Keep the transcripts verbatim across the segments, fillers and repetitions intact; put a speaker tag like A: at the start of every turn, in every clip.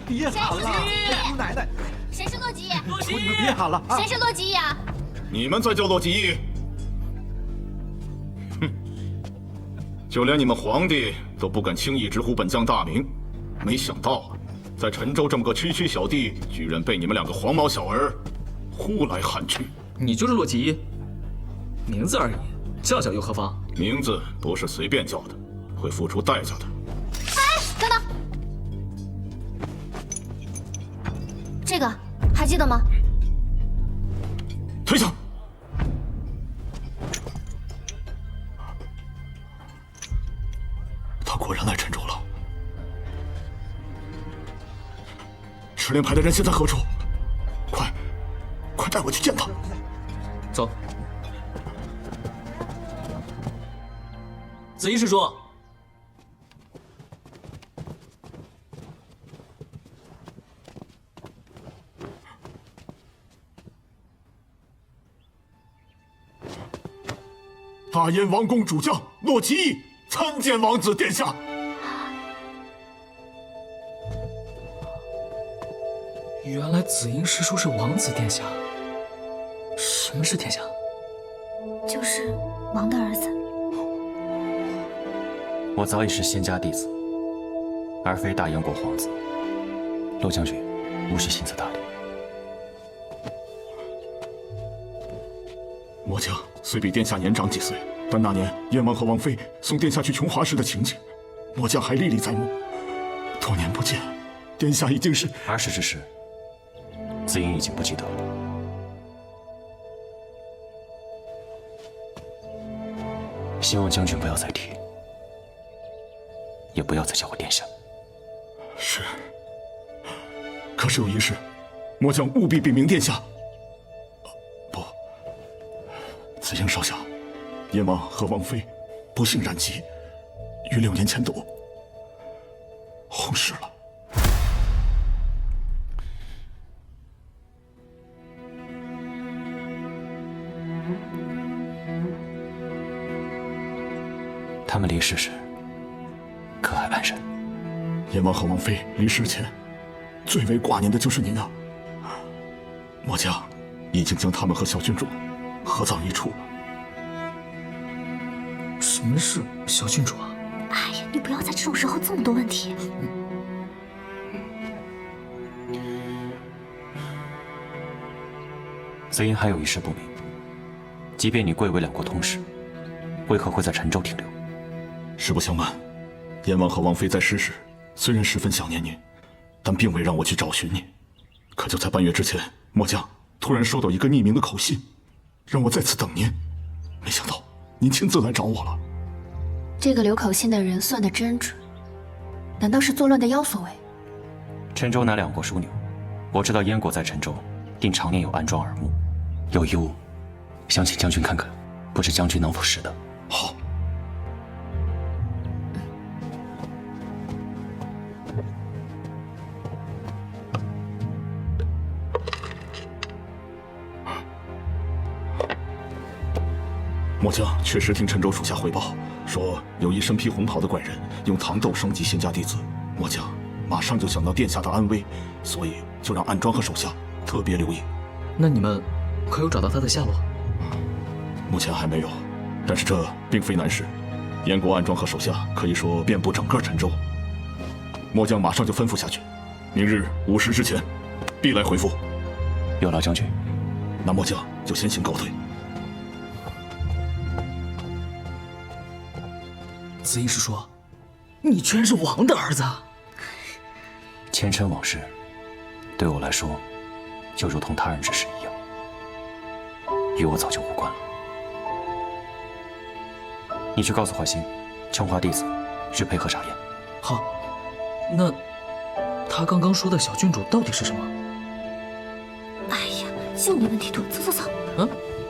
A: 别喊了，姑奶奶！
B: 谁是洛基？
A: 洛基，你们别喊了啊！
B: 谁是洛基呀？
C: 你们才叫洛基义！哼，就连你们皇帝都不敢轻易直呼本将大名，没想到啊，在陈州这么个区区小地，居然被你们两个黄毛小儿呼来喊去。
D: 你就是洛基义？名字而已，叫叫又何妨？
C: 名字不是随便叫的，会付出代价的。
B: 哎，等等，这个还记得吗？
C: 退下！他果然来陈州了。十连派的人现在何处？快，快带我去见他！
D: 走。紫衣师叔。
C: 大燕王宫主将洛奇义参见王子殿下。
D: 原来紫英师叔是王子殿下。什么是殿下？
B: 就是王的儿子。
E: 我早已是仙家弟子，而非大燕国皇子。洛将军，无需心思打理。
C: 末将虽比殿下年长几岁，但那年燕王和王妃送殿下去琼华时的情景，末将还历历在目。多年不见，殿下已经是
E: 儿时之事，紫英已经不记得了。希望将军不要再提，也不要再叫我殿下。
C: 是。可是有一事，末将务必禀明殿下。不，紫英少校，燕王和王妃不幸染疾，于六年前都薨逝了。
E: 他们离世时，可还安然？
C: 燕王和王妃离世前，最为挂念的就是您啊。末将已经将他们和小郡主合葬一处了。
D: 什么是小郡主啊？
B: 哎呀，你不要在这种时候这么多问题。
E: 紫英还有一事不明，即便你贵为两国通使，为何会在陈州停留？
C: 实不相瞒，燕王和王妃在世时，虽然十分想念您，但并未让我去找寻您。可就在半月之前，末将突然收到一个匿名的口信，让我在此等您。没想到您亲自来找我了。
B: 这个留口信的人算得真准，难道是作乱的妖所为？
E: 陈州乃两国枢纽，我知道燕国在陈州定常年有安庄耳目，有一物，想请将军看看，不知将军能否识得？
C: 好。末将确实听陈州属下回报，说有一身披红袍的怪人用糖豆升级仙家弟子。末将马上就想到殿下的安危，所以就让暗庄和手下特别留意。
D: 那你们可有找到他的下落？
C: 目前还没有，但是这并非难事。燕国暗庄和手下可以说遍布整个陈州。末将马上就吩咐下去，明日午时之前必来回复。
E: 有劳将军。
C: 那末将就先行告退。
D: 紫英师叔，你居然是王的儿子！
E: 前尘往事，对我来说，就如同他人之事一样，与我早就无关了。你去告诉华歆，琼华弟子去配合查验。
D: 好，那他刚刚说的小郡主到底是什么？
B: 哎呀，又没问题多，走走走。
D: 嗯。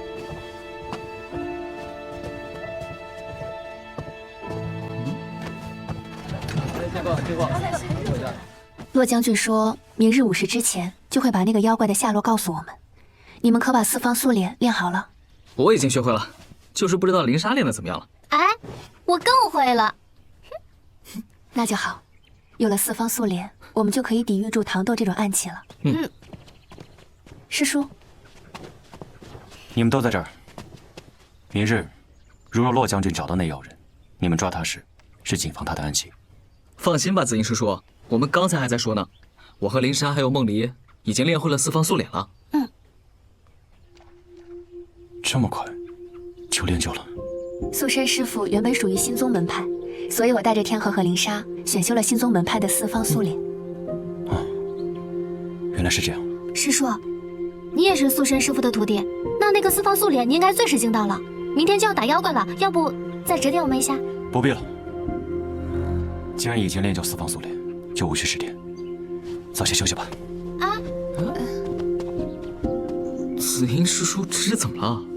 B: 洛将军说明日午时之前就会把那个妖怪的下落告诉我们，你们可把四方素脸练好了？
D: 我已经学会了，就是不知道灵纱练得怎么样了。
B: 哎，我更会了。那就好，有了四方素脸， 我们就可以抵御住糖豆这种暗器了。
D: 嗯，
B: 师叔，
E: 你们都在这儿。明日，如若骆将军找到那妖人，你们抓他时，是谨防他的暗器。
D: 放心吧，紫英师叔，我们刚才还在说呢，我和林莎还有梦离已经练会了四方素脸了。
B: 嗯，
E: 这么快就练就了？
B: 素身师傅原本属于心宗门派，所以我带着天河和林莎选修了心宗门派的四方素脸。
E: 原来是这样。
F: 师叔，你也是素身师傅的徒弟，那那个四方素脸你应该最是精到了。明天就要打妖怪了，要不再指点我们一下？
E: 不必了，既然已经练就四方素脸，就无需指点，早些休息吧。
F: 啊！
D: 紫英师叔这是怎么了？